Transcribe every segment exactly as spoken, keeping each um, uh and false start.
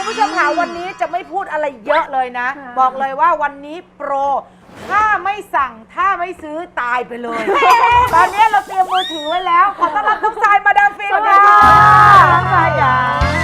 ผู้ชมค่ะวันนี้จะไม่พูดอะไรเยอะเลยนะบอกเลยว่าวันนี้โปรถ้าไม่สั่งถ้าไม่ซื้อตายไปเลย ตอนนี้เราเตรียมมือถือไว้แล้วขอต้อนรับทุกสายมาดามฟินค่ะน้องสายจ๋า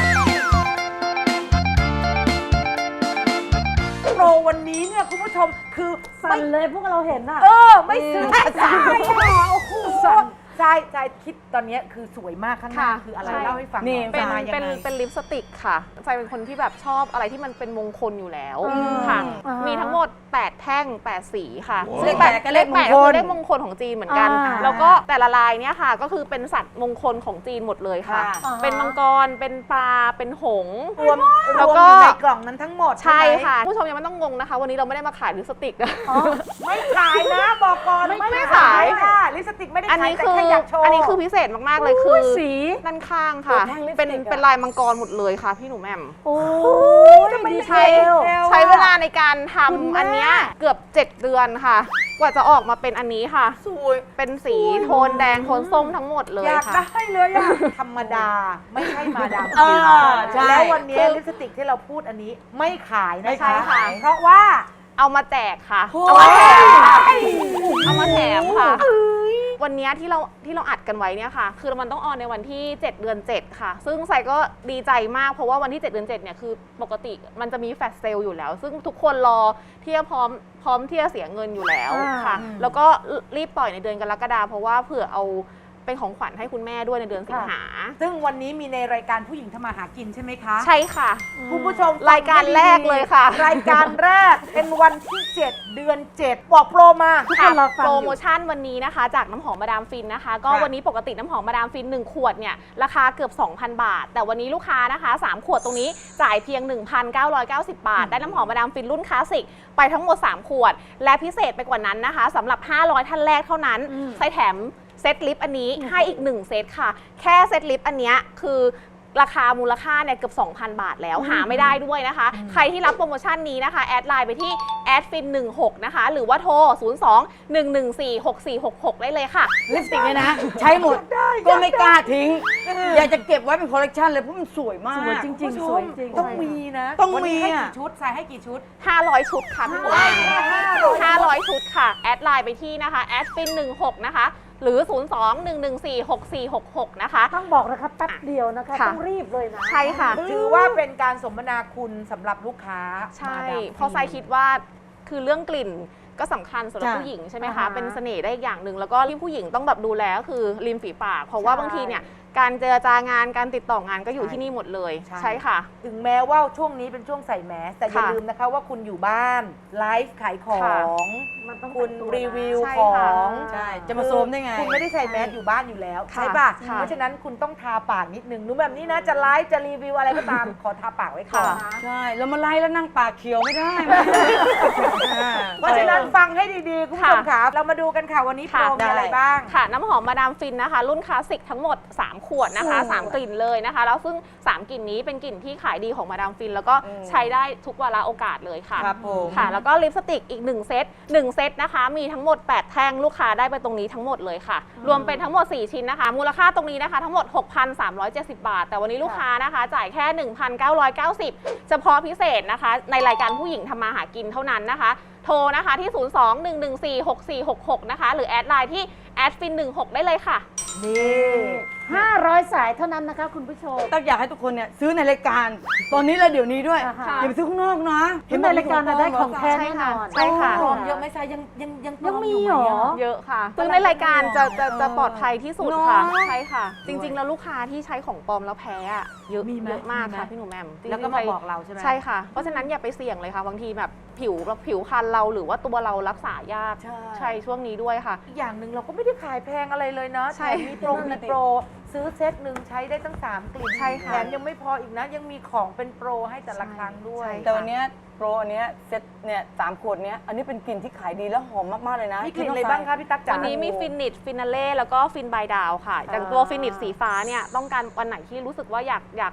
โปรวันนี้เนี่ยคุณผู้ชมคือสั่นเลยพวกเราเห็นอ่ะเออไม่ซื้อไม่ได้โอ้โหใช่ใช่คิดตอนนี้คือสวยมากข้างหน้าคืออะไรเล่าให้ฟังหน่อยเป็นมายังเป็นไงเป็นลิปสติกค่ะใจเป็นคนที่แบบชอบอะไรที่มันเป็นมงคลอยู่แล้วค่ะอ่ามีมีทั้งหมดแปดแท่งแปดสีค่ะเลขแปดก็เลขมงคลแปดก็คือเลขมงคลของจีนเหมือนกันอ่าแล้วก็แต่ละลายเนี่ยค่ะก็คือเป็นสัตว์มงคลของจีนหมดเลยค่ะค่ะเป็นมังกรเป็นปลาเป็นหงส์รวมรแล้ว วมก็อยู่ในกล่องนั้นทั้งหมดใช่ไหมค่ะผู้ชมยังไม่ต้องงงนะคะ วันนี้เราไม่ได้มาขายลิปสติกนะไม่ขายนะบอกก่อนไม่ไม่ขายค่ะลิปสติกไม่ได้อันขายนี้แต่คือแค่อยากโชว์อันนี้คือพิเศษมาก ๆ เลยคือสีด้านข้างตัค่ะวแท่งลิปสติกเป็นอะเป็นลายมังกรหมดเลยค่ะพี่หนูแหม่มโอ้ยทำไมดีไม่เทใช้ลใช้เวลาในการคุณทำแม่อันเนี้ยเกือบเจ็ดเดือนค่ะ กว่าจะออกมาเป็นอันนี้ค่ะสวยเป็นสีโทนแดงโทนส้มทั้งหมดเลยอยากค่ะได้เลยอะธรรมดาไม่ใช่มาดามเอฟินอใช่แล้ววันนี้ลิปสติกที่เราพูดอันนี้ไม่ขายนะไม่คะขายเพราะว่าเอามาแจกค่ะโอ้เอายมาแถมค่ะเอามาแถมค่ะ วันเนี้ยที่เราที่เราอัดกันไว้เนี่ยค่ะ คือมันต้องออนในวันที่เจ็ดเดือนเจ็ดค่ะ ซึ่งไซก็ดีใจมากเพราะว่าวันที่เจ็ดเดือนเจ็ดเนี่ยคือปกติมันจะมีแฟลชเซลล์อยู่แล้ว ซึ่งทุกคนรอที่จะพร้อมพร้อมที่จะเสียเงินอยู่แล้วค่ะ แล้วก็รีบปล่อยในเดือนกรกฎาคมเพราะว่าเผื่อเอาเป็นของขวัญให้คุณแม่ด้วยในเดือนสิงหาซึ่งวันนี้มีในรายการผู้หญิงทำมาหากินใช่ไหมคะใช่ค่ะคุณผู้ชมรายการแรกเลยค่ะรายการแรกเป็นวันที่เจ็ดเดือนเจ็ดบอกโปรมาทุกคค่ะนรอฟังโปรอโมยู่ชั่นวันนี้นะคะ จากน้ำหอมมาดามฟินนะคะ ก็ค่ะวันนี้ปกติน้ำหอมมาดามฟินหนึ่งขวดเนี่ยราคาเกือบ สองพัน บาท แต่วันนี้ลูกค้านะคะสามขวดตรงนี้จ่ายเพียง หนึ่งพันเก้าร้อยเก้าสิบ บาท ได้น้ำหอมมาดามฟินรุ่นคลาสสิกไปทั้งหมดสามขวด และพิเศษไปกว่านั้นนะคะสำหรับห้าร้อยท่านแรกเท่านั้นอืมใส่แถมเซตลิปอันนี้ให้อีกหนึ่งเซตค่ะ แค่เซตลิปอันเนี้ยคือราคามูลค่าเนี่ยเกือบ สองพัน บาทแล้วหาไม่ได้ด้วยนะคะ ใครที่รับโปรโมชั่นนี้นะคะ แอดไลน์ไปที่แอดฟินหนึ่งหกนะคะ หรือว่าโทร ศูนย์ สอง หนึ่ง หนึ่ง สี่ หก สี่ หก หก ได้เลยค่ะลิปสติกเนี่ยนะ ใช้หมดก็ไม่กล้าทิ้ง อยากจะเก็บไว้เป็นคอลเลกชันเลยเพราะมันสวยมากสวยจริงๆสวยจริงต้องมีนะต้องวันนี้มีให้อะกี่ชุดใส่ให้กี่ชุดห้าร้อย ชุดค่ะพี่หมูห้าร้อยชุดค่ะ แอดไลน์ไปที่นะคะแอดฟินหนึ่งหกนะคะ หรือ ศูนย์ สอง หนึ่ง หนึ่ง สี่ หก สี่ หก หก นะคะต้องบอกนะคะแป๊บเดียวนะคะค่ะต้องรีบเลยนะใช่ค่ะถือว่าเป็นการสมนาคุณสำหรับลูกค้าใช่มาดามฟินเพราะไซคิดว่าคือเรื่องกลิ่นก็สำคัญสำหรับจ้ะผู้หญิงใช่ไหมอ่าคะฮะเป็นเสน่ห์ได้อย่างหนึ่ง แล้วก็ที่ผู้หญิงต้องแบบดูแลก็คือริมฝีปาก เพราะว่าใช่บางทีเนี่ยการเจรจางานการติดต่องานก็อยู่ที่นี่หมดเลย ใช่ค่ะถึงแม้ว่าช่วงนี้เป็นช่วงใส่แมสแต่อย่าค่ะลืมนะคะว่าคุณอยู่บ้านไลฟ์ขายขอค่ะงมันต้องคุณแต่งตัวนะรีวิวใช่ขอค่ะงใช่ จะมาโซมได้ไงคุณไม่ได้ใส่แมสอยู่บ้านอยู่แล้วค่ะใช่ป่ะค่ะเพราะฉะนั้นคุณต้องทาปากนิดนึงหนูแบบนี้นะจะไลฟ์จะรีวิวอะไรก็ตาม ขอทาปากไว้ก่อนค่ะใช่ แล้วมาไล่แล้วนั่งปากเขียวไม่ได้เพราะฉะนั้นฟังให้ดีๆ คุณผู้ชมค่ะเรามาดูกันค่ะวันนี้โปรค่ะมีอะไรบ้างค่ะน้ำหอมมาดามฟินนะคะ รุ่นคลาสสิกทั้งหมด สาม ขวดนะคะโอ้สาม กลิ่นเลยนะคะ แล้วซึ่ง สาม กลิ่นนี้เป็นกลิ่นที่ขายดีของมาดามฟิน แล้วก็อืมใช้ได้ทุกวาระโอกาสเลยค่ะครับผมค่ะ แล้วก็ลิปสติกอีก หนึ่ง เซตหนึ่ง เซตนะคะ มีทั้งหมด แปด แท่งลูกค้าได้ไปตรงนี้ทั้งหมดเลยค่ะ รวมเป็นทั้งหมด สี่ ชิ้นนะคะ มูลค่าตรงนี้นะคะทั้งหมด หกพันสามร้อยเจ็ดสิบ บาท แต่วันนี้ลูกค้านะคะ จ่ายแค่ หนึ่งพันเก้าร้อยเก้าสิบ เฉพาะพิเศษนะคะ ในรายการผู้หญิงทำมาหากินเท่านั้นนะคะ โทรนะคะที่ ศูนย์ สอง หนึ่ง หนึ่ง สี่ หก สี่ หก หก นะคะ หรือแอดไลน์ที่แอดฟินหนึ่งหกได้เลยค่ะนี่ห้าร้อยสายเท่านั้นนะคะคุณผู้ชมตั๊กอยากให้ทุกคนเนี่ยซื้อในรายการ ตอนนี้และเดี๋ยวนี้ด้วยอ่าฮะอย่าไปซื้อข้างนอกนะเห็นในรายการนะได้ของแท้ใช่แน่นค่ะอนใช่ค่ะปลอมเยอะไหมซายยังยังยังปลอยังมียู่เหรไะอเยอะค่ะซึ่งในรายการจะจะจะปลอดภัยที่สุดค่ะเนอะใช่ค่ะ จริง ๆ แล้วลูกค้าที่ใช้ของปลอมแล้วแพ้อะเยอะมีไหมเยอะมากมีไหมค่ะพี่หนูแหม่มจริงๆแล้วก็มาใครบอกเราใช่ไหมใช่ค่ะ เพราะฉะนั้นอย่าไปเสี่ยงเลยค่ะ บางทีแบบผิวผิวคันเราหรือว่าตัวเรารักษายากใช่ใช่ช่วงนี้ด้วยค่ะอีกอย่างหนึ่งเราก็ไม่ได้ขายแพงอะไรเลยนะใช่แถมมีโปรมีโปรซื้อเซตหนึ่งใช้ได้ตั้งสามกลิ่นใช่ค่ะแถมยังไม่พออีกนะ ยังมีของเป็นโปรให้แต่ละครั้งด้วยใช่แต่วันเนี้ยโปรอันเนี้ยเซ็ตเนี่ยสามขวดเนี้ยอันนี้เป็นกลิ่นที่ขายดีแล้วหอมมากๆเลยนะมีกลิ่นอะไรบ้างคะพี่ตั๊กจ๋าวันนี้มีฟินิชฟินาเล่แล้วก็ฟินบายดาวค่ะอย่างตัวฟินิชสีฟ้าเนี่ยต้องการวันไหนที่รู้สึกว่าอยากอยากแบบ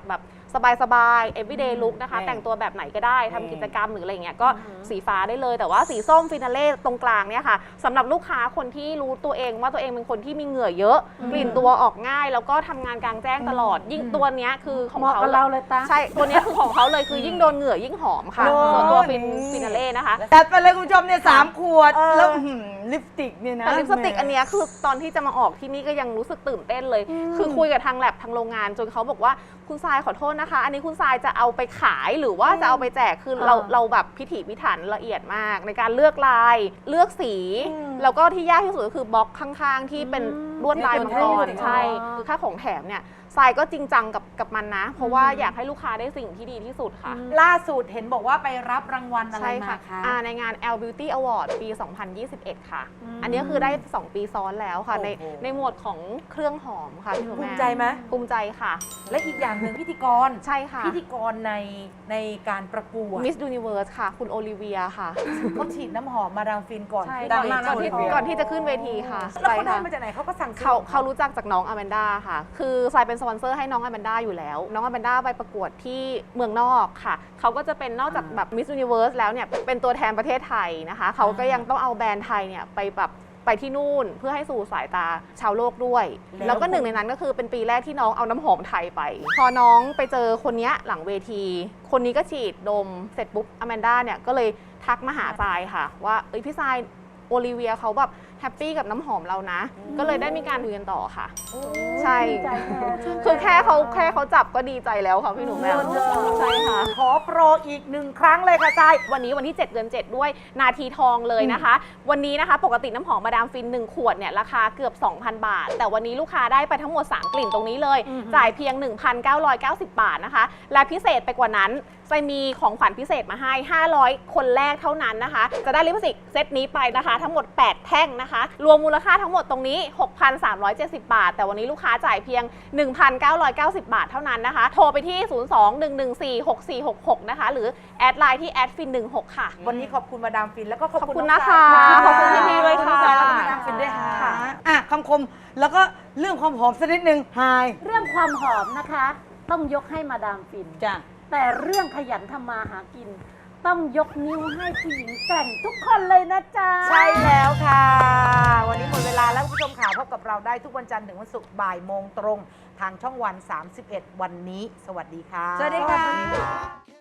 สบายๆ everyday look นะคะ แต่งตัวแบบไหนก็ได้ทำกิจกรรมหรืออะไรเงี้ยก็สีฟ้าได้เลยแต่ว่าสีส้มฟินาเล่ตรงกลางเนี่ยค่ะสำหรับลูกค้าคนที่รู้ตัวเองว่าตัวเองเป็นคนที่มีเหงื่อเยอะกลิ่นตัวออกง่าย แล้วก็ทำงานกลางแจ้งตลอด ยิ่งตัวเนี้ยคือของเหมาะเขากับเราเลยตาใช่ตัวเนี้ยคือของเขาเลยคือยิ่งโดนเหงื่อยิ่งหอมค่ะโอ้ส่วนตัวฟินฟินาเล่นะคะแต่ไปเลยคุณผู้ชมเนี่ยสามขวด แล้วอื้อหือลิปสติกเนี่ยนะแต่ลิปสติกอันเนี้ยคือตอนที่จะมาออกที่นี่ก็ยังรู้สึกตื่นเต้นเลย คือคุยกับทางแลบทางโรงงานจนเขาบอกว่าคุณทรายขอโทษนะคะ อันนี้คุณทรายจะเอาไปขายหรือว่าจะเอาไปแจกคือเราอ่าเราแบบพิถีพิถันละเอียดมาก ในการเลือกลายเลือกสี แล้วก็ที่ยากที่สุดก็คือบล็อกข้างๆ ที่เป็นลวดลายมังกรใช่คือค่าของแถมเนี่ยทรายก็จริงจังกับกับมันนะ เพราะว่าอยากให้ลูกค้าได้สิ่งที่ดีที่สุดค่ะล่าสุดเห็นบอกว่าไปรับรางวัลอะไรใช่มาค่ะคะอ่าในงาน แอล Beauty Award ปี สองพันยี่สิบเอ็ด ค่ะ อันนี้คือได้ สอง ปีซ้อนแล้วค่ะ ในโอ้โหในหมวดของเครื่องหอมค่ะพี่หนูภูแม่มิใจไหมภูมิใจค่ะและอีกอย่างหนึ่งพิธีกรใช่ค่ะพิธีกรในในการประกวด Miss Universe ค่ะ คุณโอลิเวียค่ะเขาฉีดน้ำหอมมาดามฟินก่อนใช่ขึ้นดังเวมากก่อนทีที่ก่อนที่จะขึ้นเวทีค่ะแล้วเขาใช่ได้ค่ะมาจากไหนเขาก็สั่งซื้อเขาของเขารู้จักจากน้องอแมนดาค่ะ คือทรายเป็นสปอนเซอร์ให้น้องอแมนดาอยู่แล้ว น้องอแมนดาไปประกวดที่เมืองนอกค่ะ เขาก็จะเป็นนอกจากแบบ Miss Universe แล้วเนี่ย เป็นตัวแทนประเทศไทยนะคะ เขาก็ยังต้องเอาแบรนด์ไทยเนี่ยไปแบบไปที่นู่นเพื่อให้สู่สายตาชาวโลกด้วย แล้วก็หนึ่งในนั้นก็คือเป็นปีแรกที่น้องเอาน้ำหอมไทยไป พอน้องไปเจอคนเนี้ยหลังเวที คนนี้ก็ฉีดดมเสร็จปุ๊บอแมนดาเนี่ยก็เลยทักมาหาทรายค่ะ ว่าเอ้ยพี่ทรายโอลิเวียเขาแบบแฮปปี้กับน้ำหอมเรานะ ก็เลยได้มีการคุยกันต่อค่ะ ใช่ดีใจแทนเลยคือแค่เขาแค่เขาจับก็ดีใจแล้วค่ะพี่หนูแม่ใช่ค่ะขอโปรอีกหนึ่งครั้งเลยค่ะทรายวันนี้วันที่ เจ็ด เดือน เจ็ด ด้วยนาทีทองเลยนะคะ วันนี้นะคะปกติน้ำหอมมาดามฟิน หนึ่ง ขวดเนี่ยราคาเกือบ สองพัน บาท แต่วันนี้ลูกค้าได้ไปทั้งหมด สาม กลิ่นตรงนี้เลย จ่ายเพียง หนึ่งพันเก้าร้อยเก้าสิบ บาทนะคะ และพิเศษไปกว่านั้นจะมีของขวัญพิเศษมาให้ ห้าร้อย คนแรกเท่านั้นนะคะ จะได้ลิปสติกเซตนี้ไปนะคะ ทั้งหมด แปด แท่งนะคะ รวมมูลค่าทั้งหมดตรงนี้ หกพันสามร้อยเจ็ดสิบ บาท แต่วันนี้ลูกค้าจ่ายเพียง หนึ่งพันเก้าร้อยเก้าสิบ บาทเท่านั้นนะคะ โทรไปที่ ศูนย์ สอง หนึ่ง หนึ่ง สี่ หก สี่ หก หก นะคะ หรือแอดไลน์ที่แอดฟินหนึ่งหกค่ะวันนี้ขอบคุณมาดามฟินแล้วก็ขอบขอบคุณคุณน้องนะคะทรายขอบคุณพี่ๆด้วยค่ะขอบณน้องทรายและก็มาดามฟินด้วยค่ะค่ะอ่ะคำคมแล้วก็เรื่องความหอมสักนิดนึงไฮเรื่องความหอมนะคะ ต้องยกให้มาดามฟินจ้ะแต่เรื่องขยันทำมาหากิน ต้องยกนิ้วให้ผู้หญิงแกร่งทุกคนเลยนะจ๊ะใช่แล้วค่ะ วันนี้หมดเวลาแล้วคุณผู้ชมข่าวพบกับเราได้ทุกวันจันทร์ถึงวันศุกร์บ่ายโมงตรง ทางช่องวัน สามสิบเอ็ด วันนี้ สวัสดีค่ะสวัสดีค่ะ